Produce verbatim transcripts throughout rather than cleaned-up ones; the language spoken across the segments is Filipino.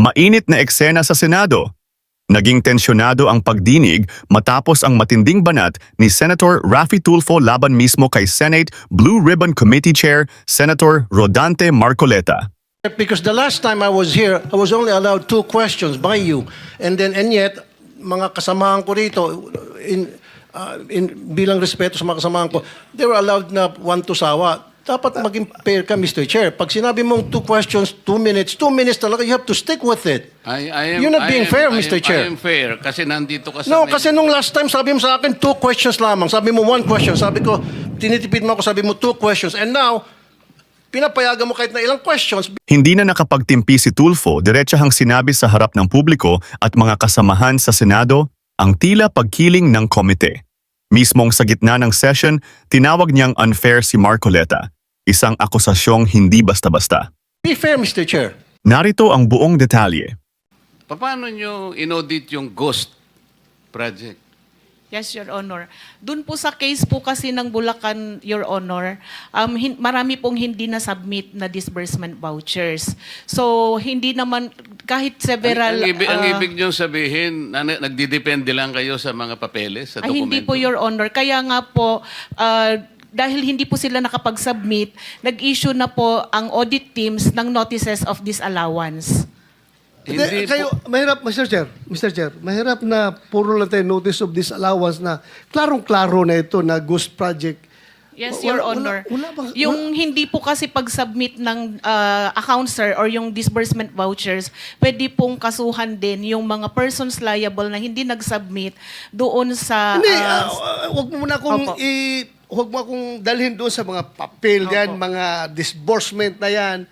Mainit na eksena sa Senado. Naging tensyonado ang pagdinig matapos ang matinding banat ni Senator Raffy Tulfo laban mismo kay Senate Blue Ribbon Committee Chair Senator Rodante Marcoleta. Because the last time I was here, I was only allowed two questions by you. And then, and yet, mga kasamahan ko rito, in, uh, in, bilang respeto sa mga kasamahan ko, they were allowed na one to sawa. Dapat maging fair ka, Mister Chair. Pag sinabi mong two questions, two minutes, two minutes talaga, you have to stick with it. I, I am, You're not being I am, fair, I am, Mister Chair. I am fair kasi nandito ka sa No, may- kasi nung last time, sabi mo sa akin, two questions lamang. Sabi mo one question. Sabi ko, tinitipid mo ako, sabi mo two questions. And now, pinapayagan mo kahit na ilang questions. Hindi na nakapagtimpi si Tulfo, diretsahang sinabi sa harap ng publiko at mga kasamahan sa Senado ang tila pagkiling ng komite. Mismong sa gitna ng session, tinawag niyang unfair si Marcoleta. Isang akusasyong hindi basta-basta. Be fair, Mister Chair. Narito ang buong detalye. Paano nyo inaudit yung ghost project? Yes, Your Honor. Doon po sa case po kasi ng Bulacan, Your Honor, um, hin- marami pong hindi na-submit na disbursement vouchers. So, hindi naman, kahit several... ang, ang, ibig, ang uh, ibig nyo sabihin, na, nagdidepende lang kayo sa mga papeles, sa ay, dokumento? hindi po, Your Honor. Kaya nga po, uh, dahil hindi po sila nakapag-submit, nag-issue na po ang audit teams ng notices of disallowance. Hindi Hindi, kayo, po- mahirap, Mister Chair, Mister Chair, mahirap na puro lang tayo notice of disallowance na klarong-klaro na ito na ghost project. Yes, Wala- Your wala- Honor. wala ba- yung hindi po kasi pag-submit ng uh, account, sir, or yung disbursement vouchers, pwede pong kasuhan din yung mga persons liable na hindi nag-submit doon sa... Hindi, uh, ah, ah, wag mo muna akong Opo. i... Huwag mo akong dalhin doon sa mga papel yan, Opo. mga disbursement na yan.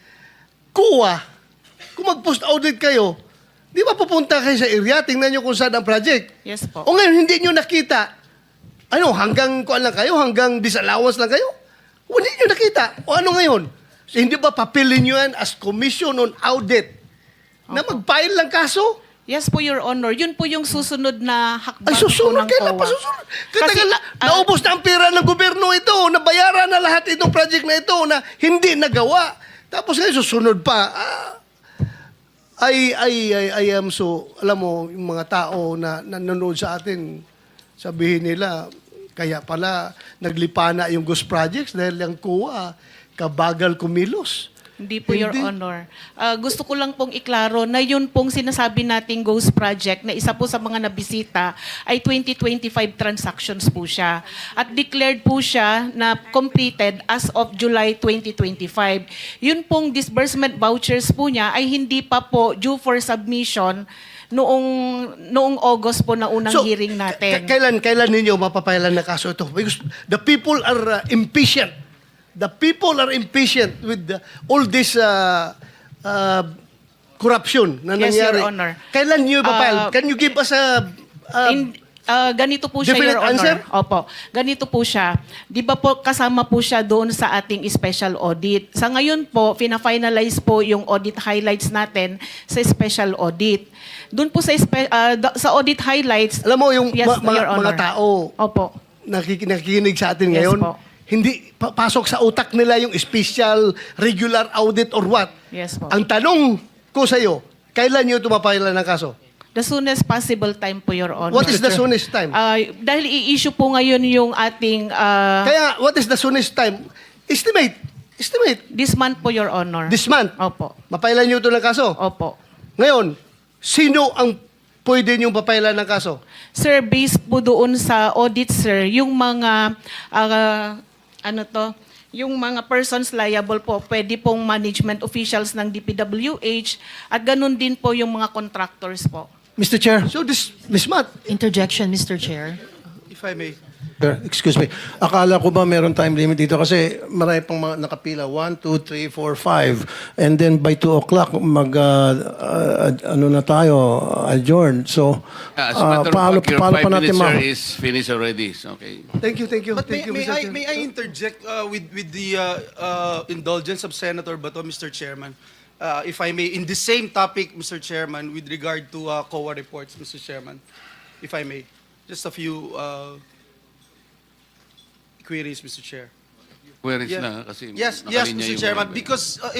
Kuha. Kung mag-post audit kayo, di ba pupunta kayo sa area, tingnan nyo kung saan ang project. Yes po. O ngayon, hindi nyo nakita. Ano, hanggang kuan lang kayo? Hanggang disallowance lang kayo? O hindi nyo nakita. O ano ngayon? So, hindi ba papilin nyo yan as commission on audit na mag-file lang kaso? Yes po, Your Honor. Yun po yung susunod na hakbang Ay, po susunod. ng Kailan C O A. pa susunod? Kasi, Kasi, na, ah, naubos na ang pera ng gobyerno ito. Nabayaran na lahat itong project na ito na hindi nagawa. Tapos ngayon, susunod pa. Ah, I, I, I, I am so, alam mo, yung mga tao na nanonood sa atin, sabihin nila, kaya pala naglipana yung ghost projects dahil yung C O A, kabagal kumilos. Hindi po, Your Hindi. Honor. Ah, gusto ko lang pong iklaro na yun pong sinasabi nating Ghost Project na isa po sa mga nabisita ay twenty twenty-five transactions po siya. At declared po siya na completed as of July twenty twenty-five. Yun pong disbursement vouchers po niya ay hindi pa po due for submission noong noong August po na unang hearing natin. k- kailan, kailan ninyo mapapailan na kaso ito? Because the people are uh, impatient. The people are impatient with the, all this uh, uh, corruption na Yes, nangyari. Your Honor. Kailan nyo ipapile? Uh, Can you give us a... uh, In, ah, ganito po siya, definite Your Honor. answer? Opo. Ganito po siya. Di ba po kasama po siya doon sa ating special audit. Sa ngayon po, fina-finalize po yung audit highlights natin sa special audit. Doon po sa, spe- ah, da- sa audit highlights, alam mo, yung Yes, ma- mga, Your Honor. mga tao Opo. nakik- nakikinig sa atin Yes ngayon, po. hindi pa- pasok sa utak nila yung special, regular audit or what. Yes po. Ang tanong ko sa iyo, kailan nyo tumapailan ng kaso? The soonest possible time po, Your Honor. What is the soonest time? Ah, dahil i-issue po ngayon yung ating ah, Kaya, what is the soonest time? Estimate. Estimate. this month po, Your Honor. This month. Opo. Mapailan nyo ito ng kaso. Opo. Ngayon, sino ang pwede nyo papailan ng kaso? Sir, based po doon sa audit, sir, yung mga, ah, ano to, yung mga persons liable po, pwede pong management officials ng D P W H at ganun din po yung mga contractors po. Mister Chair. So, this, this month, Interjection, Mister Chair. If I may. Sir, excuse me. Akala ko ba meron time limit dito? Kasi marami pang mga nakapila. One, two, three, four, five. And then by two o'clock, mag, uh, uh, ano na tayo, adjourn. So, Ah, as a uh, matter of paano, fact, your paano five pa natin minutes, ma... sir, is finished already. Okay. thank you, thank you. But may, thank you, may, Mister I, Chair. may I interject uh, with, with the uh, uh, indulgence of Senator Bato, Mister Chairman? Uh, if I may, in the same topic, Mister Chairman, with regard to uh, C O A reports, Mister Chairman, if I may, just a few uh, queries, Mister Chair. Where is Yeah. na? Kasi Yes, yes, nakalinya Mister yung Chairman, mga- because uh, eh,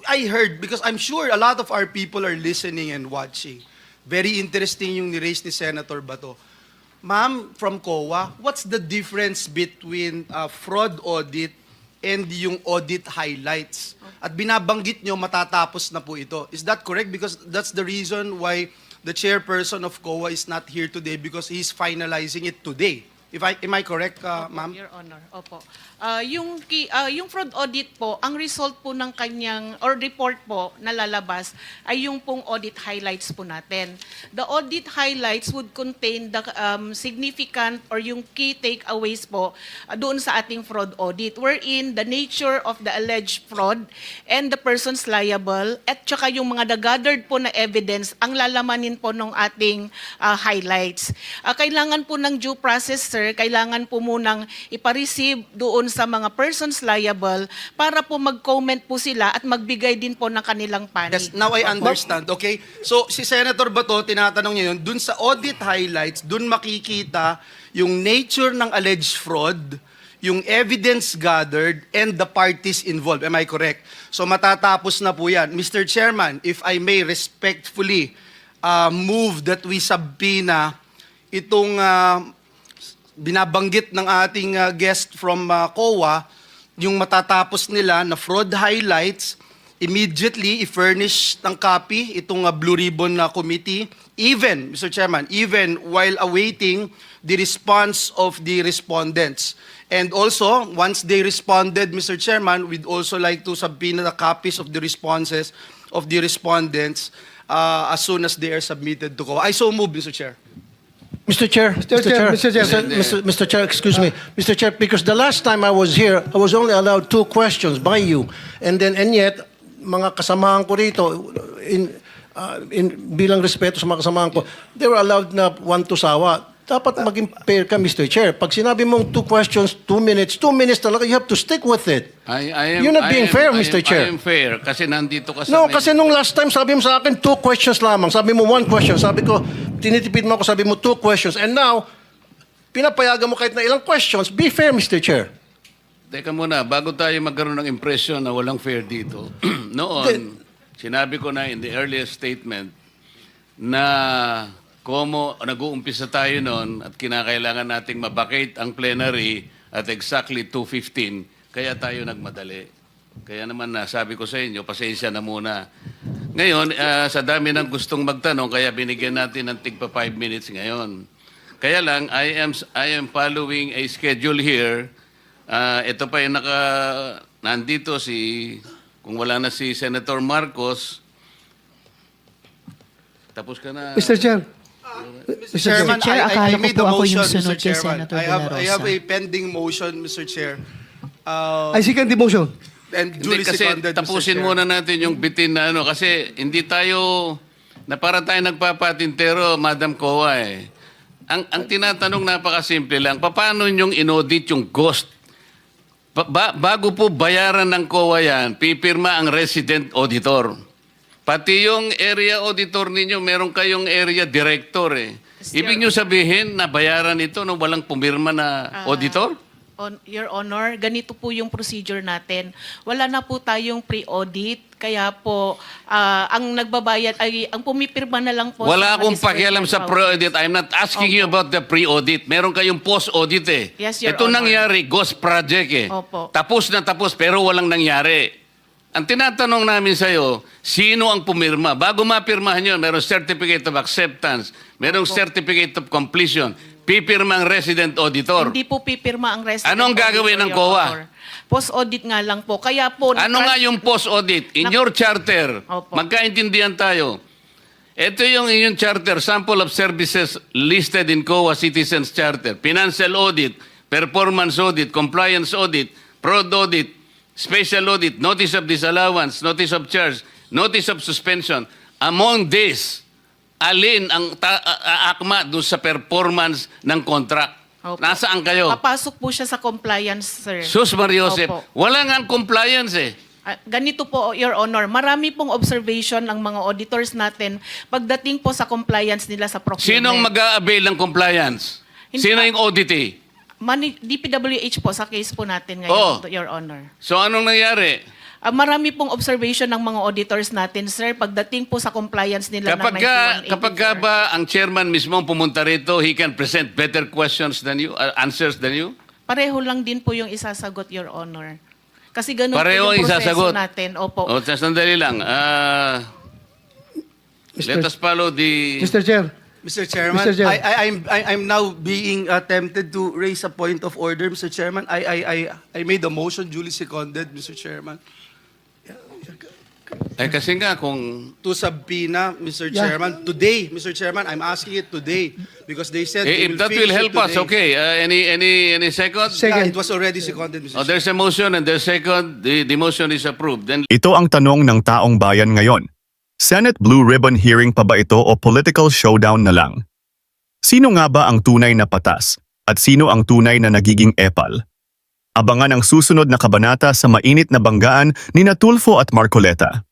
I heard, because I'm sure a lot of our people are listening and watching. Very interesting yung ni-raise ni Senator Bato. Ma'am, from C O A, what's the difference between uh, fraud audit and yung audit highlights? At binabanggit nyo, matatapos na po ito. Is that correct? Because that's the reason why the chairperson of C O A is not here today, because he's finalizing it today. If I, am I correct, uh, Opo, ma'am? Your Honor, opo. Ah, yung, ki- ah, yung fraud audit po, ang result po ng kanyang, or report po na lalabas, ay yung pong audit highlights po natin. The audit highlights would contain the um, significant or yung key takeaways po ah, doon sa ating fraud audit, wherein the nature of the alleged fraud and the persons liable, at saka yung mga gathered po na evidence, ang lalamanin po ng ating ah, highlights. Ah, kailangan po ng due process, sir, kailangan po munang ipareceive doon sa mga persons liable para po mag-comment po sila at magbigay din po ng kanilang panig. Yes, now I understand. Okay? So, si Senator Bato, tinatanong niya yun, dun sa audit highlights, dun makikita yung nature ng alleged fraud, yung evidence gathered, and the parties involved. Am I correct? So, matatapos na po yan. Mister Chairman, if I may respectfully uh, move that we subpoena itong uh, binabanggit ng ating uh, guest from uh, C O A, yung matatapos nila na fraud highlights, immediately i-furnish ng copy itong uh, Blue Ribbon uh, Committee, even, Mister Chairman, even while awaiting the response of the respondents. And also, once they responded, Mister Chairman, we'd also like to subpoena the copies of the responses of the respondents uh, as soon as they are submitted to C O A. I so move, Mister Chair. Mister Chair, Mister Chair, Mister Chair. Mister Mister Mister Chair, excuse me, Mister Chair, because the last time I was here, I was only allowed two questions by you, and then and yet mga kasamahan ko rito in uh, in bilang respeto sa mga kasamahan ko, they were allowed na one to sawa. Dapat maging fair ka, Mister Chair. Pag sinabi mong two questions, two minutes, two minutes talaga, you have to stick with it. I, I am, You're not I being am- fair, I am- Mister Chair. I am fair kasi nandito ka sa... No, main- kasi nung last time sabi mo sa akin two questions lamang. Sabi mo one question. Sabi ko, tinitipid mo ako, sabi mo two questions. And now, pinapayagan mo kahit na ilang questions. Be fair, Mister Chair. Teka muna, bago tayo magkaroon ng impression na walang fair dito. Noon, sinabi ko na in the earliest statement na komo nag-uumpisa tayo noon at kinakailangan nating mabakate ang plenary at exactly two fifteen, kaya tayo nagmadali. Kaya naman na sabi ko sa inyo, pasensya na muna. Ngayon, ah, sa dami ng gustong magtanong, kaya binigyan natin ng tigpa five minutes ngayon. Kaya lang, I am I am following a schedule here. Ah, ito pa yung naka nandito si kung wala na si Senator Marcos. Tapos ka na. Mister Chair. Mister Chairman, Chair, I, I, I akala ko made po a ako motion, yung sunod Mister kay Chairman. Senator I have, De La I have Rosa. a pending motion, Mister Chair. Uh, I second the motion. and Hindi, duly kasi seconded, Mister tapusin Chair. muna natin yung bitin na ano kasi hindi tayo na para tayo nagpapatintero, Madam C O A eh. Ang ang tinatanong napakasimple lang, paano yung inaudit yung ghost? Pa- ba- bago po bayaran ng C O A yan, pipirma ang resident auditor. Pati yung area auditor ninyo, meron kayong area director eh. Ibig nyo sabihin na bayaran ito nung walang pumirma na Ah, auditor? On, Your Honor, ganito po yung procedure natin. Wala na po tayong pre-audit, kaya po ah, ang nagbabayad ay ang pumipirma na lang po. Wala sa akong Magistrate pakialam sa Powers. pre-audit. I'm not asking you about the pre-audit. Meron kayong post-audit eh. Yes, Your Ito Honor. nangyari, ghost project eh. Opo. Tapos na tapos pero walang nangyari. Ang tinatanong namin sa'yo, sino ang pumirma? Bago mapirmahan yun, merong certificate of acceptance, merong certificate of completion, pipirma ang resident auditor. Hindi po pipirma ang resident Anong gagawin ng auditor, C O A? Your Honor. Post-audit nga lang po. Kaya po... Ano nga yung post-audit? In Na- your charter, Opo. magkaintindihan tayo. Ito yung inyong charter, sample of services listed in C O A Citizens Charter. Financial audit, performance audit, compliance audit, fraud audit, special audit, notice of disallowance, notice of charge, notice of suspension. Among these, alin ang ta- a- a- akma doon sa performance ng contract? Opo. Nasaan kayo? Papasok po siya sa compliance, sir. Sus Mariosep, Opo. wala nga ang compliance eh. Ah, ganito po, Your Honor, marami pong observation ng mga auditors natin pagdating po sa compliance nila sa procurement. Sinong mag-a-avail ng compliance? Hindi Sino pa- yung auditee? Mani- D P W H po sa case po natin Oo. ngayon, Your Honor. So anong nangyari? Ah, marami pong observation ng mga auditors natin, sir, pagdating po sa compliance nila Kapag ng ka, ninety-one kapag ka eighty-four. ba ang chairman mismo ang pumunta rito, he can present better questions than you, uh, answers than you? Pareho lang din po yung isasagot, Your Honor. Kasi ganun Pareho po ang yung proseso isasagot. natin. Opo. O, sandali lang. Ah, let us follow the... Mister Chair, Mister Chairman, Mister Chair. I, I, I'm, I, I'm now being uh, tempted to raise a point of order, Mister Chairman. I, I, I, I made a motion, duly seconded, Mister Chairman, Eh, kasi nga kung... to subpoena, Mister Yeah. Chairman, today, Mister Chairman, I'm asking it today because they said Eh, they if that finish will it help us, today. okay. Uh, any, any, any second? Second. Yeah, it was already seconded, Mister Oh, there's a motion and there's second. The, the motion is approved. Then Ito ang tanong ng taong bayan ngayon. Senate Blue Ribbon hearing pa ba ito o political showdown na lang? Sino nga ba ang tunay na patas at sino ang tunay na nagiging epal? Abangan ang susunod na kabanata sa mainit na banggaan ni Tulfo at Marcoleta.